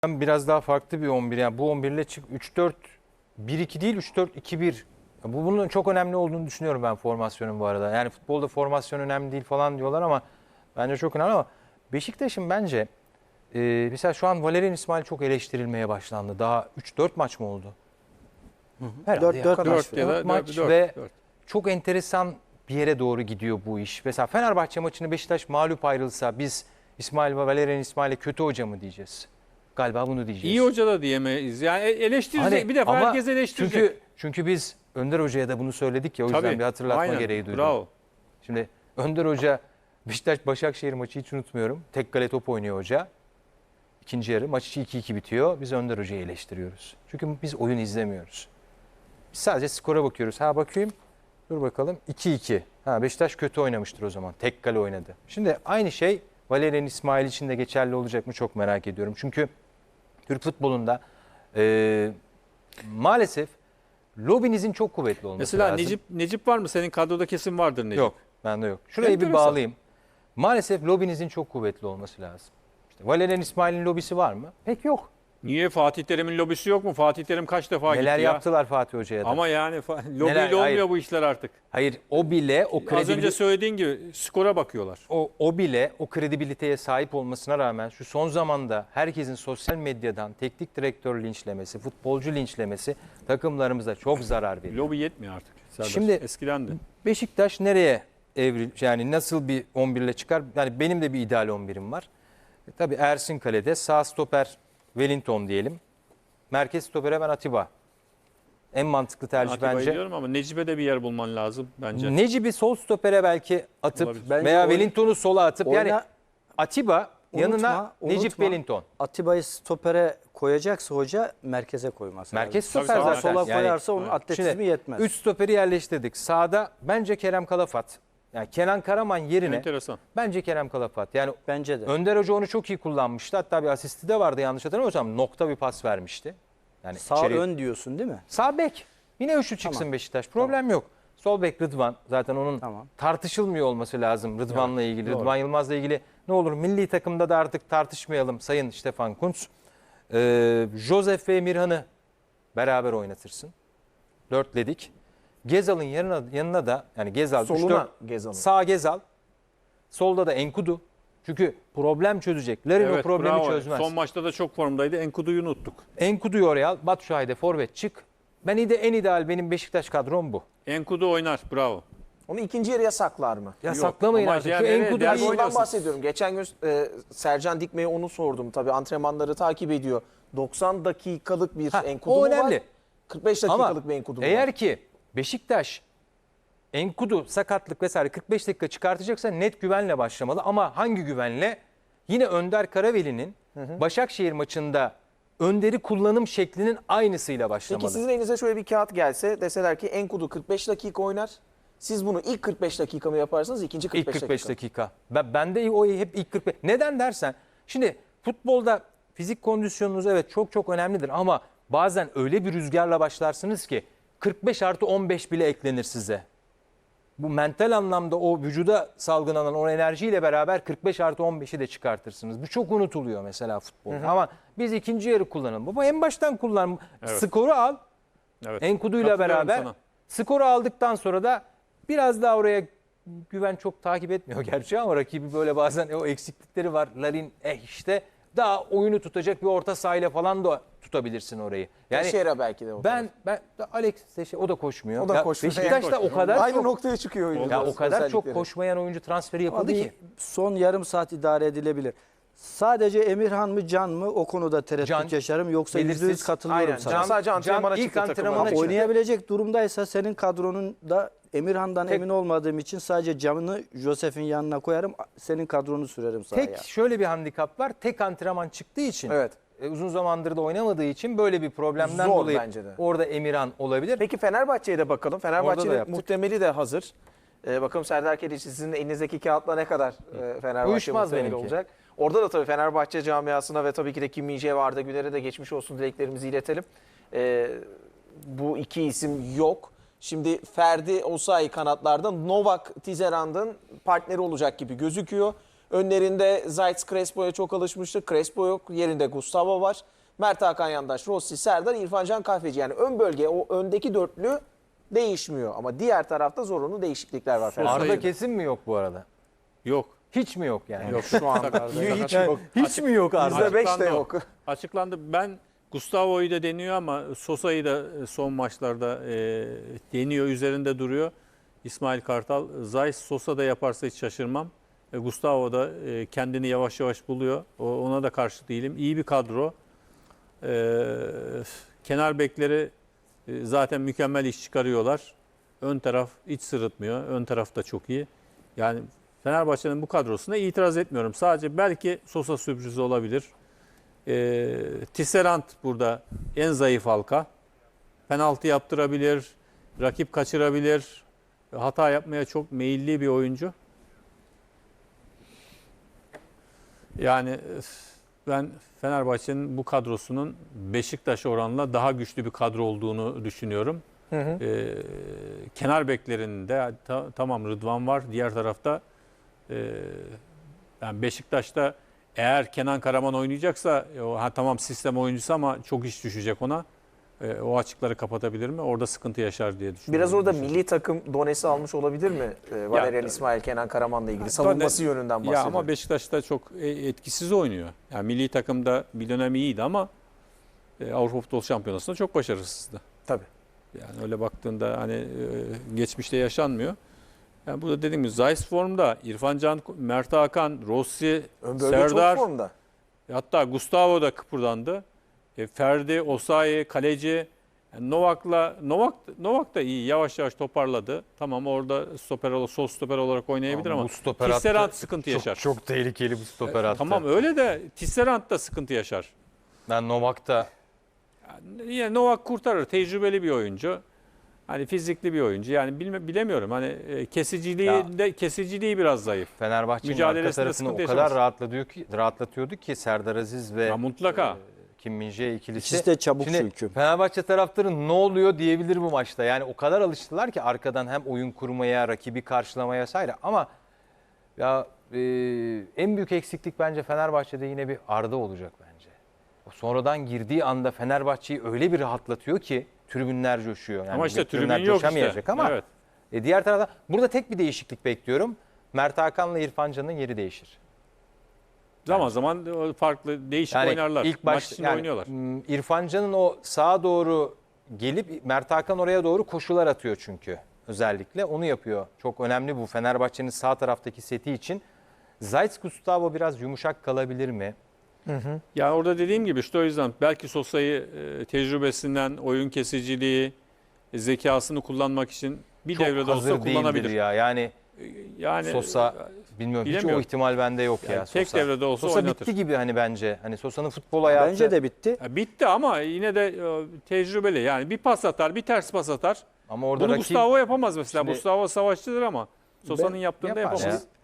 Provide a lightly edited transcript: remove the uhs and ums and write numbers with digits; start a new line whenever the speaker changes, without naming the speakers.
Biraz daha farklı bir 11. Yani bu 11 ile 3-4-1-2 değil 3-4-2-1. Bunun çok önemli olduğunu düşünüyorum ben formasyonun bu arada. Yani futbolda formasyon önemli değil falan diyorlar ama bence çok önemli ama Beşiktaş'ın bence mesela şu an Valerian İsmail çok eleştirilmeye başlandı. Daha 3-4 maç mı oldu? Herhalde
4
maç ve çok enteresan bir yere doğru gidiyor bu iş. Mesela Fenerbahçe maçını Beşiktaş mağlup ayrılsa biz İsmail ve Valerian İsmail'e kötü hoca mı diyeceğiz? Galiba bunu diyeceğiz.
İyi hoca da diyemeyiz. Yani eleştirecek
Hani,
bir defa
ama
herkes eleştirecek.
Çünkü biz Önder Hoca'ya da bunu söyledik ya o yüzden bir hatırlatma
aynen,
gereği duydum.
Bravo.
Şimdi Önder Hoca Beşiktaş Başakşehir maçı hiç unutmuyorum. Tek kale top oynuyor hoca. İkinci yarı maç 2-2 bitiyor. Biz Önder Hoca'yı eleştiriyoruz. Çünkü biz oyun izlemiyoruz. Biz sadece skora bakıyoruz. Ha bakayım. Dur bakalım. 2-2. Ha Beşiktaş kötü oynamıştır o zaman. Tek kale oynadı. Şimdi aynı şey Valerian İsmail için de geçerli olacak mı çok merak ediyorum. Çünkü Türk futbolunda maalesef lobinizin çok kuvvetli olması
Mesela
lazım.
Necip var mı? Senin kadroda kesin vardır Necip.
Yok. Bende yok. Şurayı bir
Enteresan.
bağlayayım. Maalesef lobinizin çok kuvvetli olması lazım. İşte Valerian İsmail'in lobisi var mı? Pek yok.
Niye Fatih Terim'in lobisi yok mu? Fatih Terim kaç defa
Neler
gitti ya?
yaptılar Fatih Hoca'ya da.
Ama yani lobiyle
Neler-
olmuyor
hayır.
bu işler artık.
Hayır o bile o
Az önce söylediğin gibi skora bakıyorlar.
o bile o kredibiliteye sahip olmasına rağmen şu son zamanda herkesin sosyal medyadan teknik direktör linçlemesi, futbolcu linçlemesi takımlarımıza çok zarar veriyor.
Lobi yetmiyor artık. Serdar.
Şimdi
Eskiden de.
Beşiktaş nereye yani nasıl bir 11 ile çıkar? Yani benim de bir ideal 11'im var. Tabii Ersin kalede, sağ stoper Wellington diyelim. Merkez stopere ben Atiba. En mantıklı tercih
Atiba'yı
bence.
diyorum ama Necip'e de bir yer bulman lazım bence.
Necip'i sol stopere belki atıp
Olabilir.
Bence
veya Wellington'u sola atıp yani Atiba yanına Necip Wellington.
Atiba'yı stopere koyacaksa hoca merkeze koyması
Merkez
lazım.
stoper
Tabii,
zaten.
Sola
Yani
koyarsa onun atletizmi
şimdi
yetmez.
3 stoperi yerleştirdik. Sağda bence Kerem Kalafat. Yani Kenan Karaman yerine
Enteresan.
bence Kerem Kalafat. Yani
Bence de.
Önder Hoca onu çok iyi kullanmıştı. Hatta bir asisti de vardı yanlış hatırlamıyorsam. Nokta bir pas vermişti. Yani
Sağ ön diyorsun değil mi?
Sağ bek. Yine üçlü çıksın
Tamam.
Beşiktaş. Problem yok. Sol bek Rıdvan. Zaten onun
Tamam.
tartışılmıyor olması lazım Rıdvan'la ilgili.
doğru.
Rıdvan Yılmaz'la ilgili ne olur milli takımda da artık tartışmayalım Sayın Stefan Kuntz. Josef ve Emirhan'ı beraber oynatırsın. Dörtledik. Gezal'ın yanına da yani Gezal
Soluna Gezal'ın.
Sağ Gezal. Solda da Enkudu. Çünkü problem çözecek. Larin o problemi
bravo.
çözmez.
Son maçta da çok formdaydı. Enkudu'yu unuttuk.
Enkudu'yu oraya al. Batshuayi'de forvet çık. En ideal benim Beşiktaş kadrom bu.
Enkudu oynar. Bravo.
Onu ikinci yarıya saklar mı?
Ya
Yok,
saklamayın
ama
artık.
yani
Şu
nereye?
Enkudu
Diğer
bir-
boy-
Şundan
oynuyorsun.
bahsediyorum. Geçen gün Sercan Dikme'ye onu sordum. Tabii antrenmanları takip ediyor. 90 dakikalık bir Enkudu
o
mu
önemli.
var? 45
Ama
dakikalık bir Enkudu mu
eğer
var?
ki Beşiktaş Enkudu sakatlık vesaire 45 dakika çıkartacaksa net güvenle başlamalı. Ama hangi güvenle? Yine Önder Karaveli'nin Başakşehir maçında Önder'i kullanım şeklinin aynısıyla başlamalı.
Peki sizin elinize şöyle bir kağıt gelse deseler ki Enkudu 45 dakika oynar. Siz bunu ilk 45 dakika mı yaparsınız, ikinci 45
İlk 45
dakika?
dakika. Ben de o hep ilk 45. Neden dersen şimdi futbolda fizik kondisyonunuz evet çok önemlidir ama bazen öyle bir rüzgarla başlarsınız ki 45+15 bile eklenir size. Bu mental anlamda o vücuda salgılanan o enerjiyle beraber 45+15'i de çıkartırsınız. Bu çok unutuluyor mesela futbolda. Ama biz ikinci yarı kullanalım. Baba en baştan kullan.
Evet.
Skoru al.
Evet.
Enkudu'yla
Katılıyorum
beraber
sana.
skoru aldıktan sonra da biraz daha oraya güven çok takip etmiyor gerçi ama rakibi böyle bazen o eksiklikleri var. Larin işte daha oyunu tutacak bir orta sahayla falan da tutabilirsin orayı. Yani
Teixeira belki de o
ben Alex Teixeira, o da koşmuyor.
O da
Ya
koşmuyor.
Beşiktaş'ta o kadar
Aynı
çok
noktaya çıkıyor oyuncu.
ya o kadar çok
özellikleri.
koşmayan oyuncu transferi
Ama
yapıldı
bir
ki.
son yarım saat idare edilebilir. Sadece Emirhan mı Can mı o konuda tereddüt
Can,
yaşarım. Yoksa
belirsiz.
%100 katılıyorum
Aynen.
sana.
Can sadece antrenmana
ilk
çıktı takıma.
antrenmana çıktı.
Oynayabilecek durumdaysa senin kadronun da Emirhan'dan
Tek-
emin olmadığım için sadece Can'ı Josef'in yanına koyarım. Senin kadronu sürerim sahaya.
Tek şöyle bir handikap var. Tek antrenman çıktığı için.
Evet.
Uzun zamandır da oynamadığı için böyle bir problemden
Zor
dolayı
bence de.
orada Emirhan olabilir.
Peki Fenerbahçe'ye de bakalım.
Orada da
Fenerbahçe'nin
yaptık.
muhtemeli de hazır. Bakalım Serdar Kedici sizin elinizdeki kağıtla ne kadar Fenerbahçe
Uyuşmaz
muhtemeli
benimki.
olacak. Orada da tabii Fenerbahçe camiasına ve tabii ki de Kim Min-jae ve Arda Güler'e de geçmiş olsun dileklerimizi iletelim. Bu iki isim yok. Şimdi Ferdi Osayi kanatlarda Novak Tisserand'ın partneri olacak gibi gözüküyor. Önlerinde Zayt Crespo'ya çok alışmıştık. Crespo yok. Yerinde Gustavo var. Mert Hakan Yandaş, Rossi, Serdar, İrfan Can Kahveci. Yani ön bölge, o öndeki dörtlü değişmiyor. Ama diğer tarafta zorunlu değişiklikler var.
Arda kesin mi yok bu arada?
Yok.
Hiç mi yok yani?
Yok.
Şu anda hiç yok.
Hiç mi yok Arda?
%5 de
Açıklandı o.
yok.
Açıklandı. Ben Gustavo'yu da deniyor ama Sosa'yı da son maçlarda deniyor, üzerinde duruyor. İsmail Kartal, Zayt Sosa da yaparsa hiç şaşırmam. Gustavo da kendini yavaş yavaş buluyor. Ona da karşı değilim. İyi bir kadro. Kenar bekleri zaten mükemmel iş çıkarıyorlar. Ön taraf hiç sırıtmıyor. Ön taraf da çok iyi. Yani Fenerbahçe'nin bu kadrosuna itiraz etmiyorum. Sadece belki Sosa sürprizi olabilir. Tisserand burada en zayıf halka. Penaltı yaptırabilir, rakip kaçırabilir. Hata yapmaya çok meyilli bir oyuncu. Yani ben Fenerbahçe'nin bu kadrosunun Beşiktaş oranla daha güçlü bir kadro olduğunu düşünüyorum. Kenar beklerinde tamam Rıdvan var. Diğer tarafta yani Beşiktaş'ta eğer Kenan Karaman oynayacaksa tamam sistem oyuncusu ama çok iş düşecek ona. O açıkları kapatabilir mi? Orada sıkıntı yaşar diye düşünüyorum.
Biraz orada milli takım donesi almış olabilir mi? Valerian İsmail, Kenan Karaman'la ilgili savunması yönünden bahsediyor.
Ya ama Beşiktaş'ta çok etkisiz oynuyor. Yani milli takımda bir dönem iyiydi ama Avrupa Futbol Şampiyonası'nda çok başarısızdı.
Tabii.
Yani öyle baktığında hani geçmişte yaşanmıyor. Yani burada dediğim gibi Zayt formda, İrfan Can, Mert Hakan, Rossi,
Ön bölge
Serdar,
çok formda.
hatta Gustavo da kıpırdandı. Ferdi, Osayi, kaleci. Yani Novak da iyi. Yavaş yavaş toparladı. Tamam orada sol stoper olarak oynayabilir ama
bu stoper hattı
Tisserand sıkıntı yaşar.
Çok tehlikeli bu stoper hattı.
Tamam öyle de Tisserand da sıkıntı yaşar.
Ben Novak'ta
Yani yine Novak kurtarır. Tecrübeli bir oyuncu. Hani fizikli bir oyuncu. Yani bilemiyorum. Hani kesiciliği biraz zayıf.
Fenerbahçe'nin arka
Mücadelesinde
tarafını o
sıkıntı
kadar
yaşamaz.
rahatlatıyordu ki Serdar Aziz ve
Ya mutlaka.
Kim Min-jae ikilisi.
İkisi de çabuk
Şimdi
çünkü.
Fenerbahçe taraftarı ne oluyor diyebilir bu maçta. Yani o kadar alıştılar ki arkadan hem oyun kurmaya, rakibi karşılamaya vesaire. Ama ya en büyük eksiklik bence Fenerbahçe'de yine bir Arda olacak bence. O sonradan girdiği anda Fenerbahçe'yi öyle bir rahatlatıyor ki tribünler coşuyor. Yani
Ama işte
tribünler
tribün yok
coşamayacak
işte.
ama
Evet.
diğer tarafta burada tek bir değişiklik bekliyorum. Mert Hakan'la İrfan Can'ın yeri değişir.
Zaman zaman farklı değişik oynarlar.
ilk
Maç
baş
içinde oynuyorlar.
İrfan Can'ın o sağa doğru gelip Mert Hakan oraya doğru koşular atıyor çünkü. Özellikle onu yapıyor. Çok önemli bu Fenerbahçe'nin sağ taraftaki seti için. Zayt Gustavo biraz yumuşak kalabilir mi?
Ya orada dediğim gibi işte o yüzden belki Sosa'yı tecrübesinden, oyun kesiciliği, zekasını kullanmak için bir
Çok
devrede
hazır
olsa
değildir
kullanabilir.
ya. Yani Sosa bilmiyorum hiç o
bilemiyorum.
ihtimal bende yok
Yani
ya.
tek
Sosa.
devrede olsa
Sosa
oynatır.
bitti gibi hani bence. Hani Sosa'nın futbol hayatı.
Bence de bitti.
Ya bitti ama yine de tecrübeli. Yani bir pas atar, bir ters pas atar.
Ama orada
Bunu
rakip
Gustavo yapamaz mesela.
Şimdi-
Gustavo savaşçıdır ama Sosa'nın yaptığını da
yapar
yapamaz.
ya.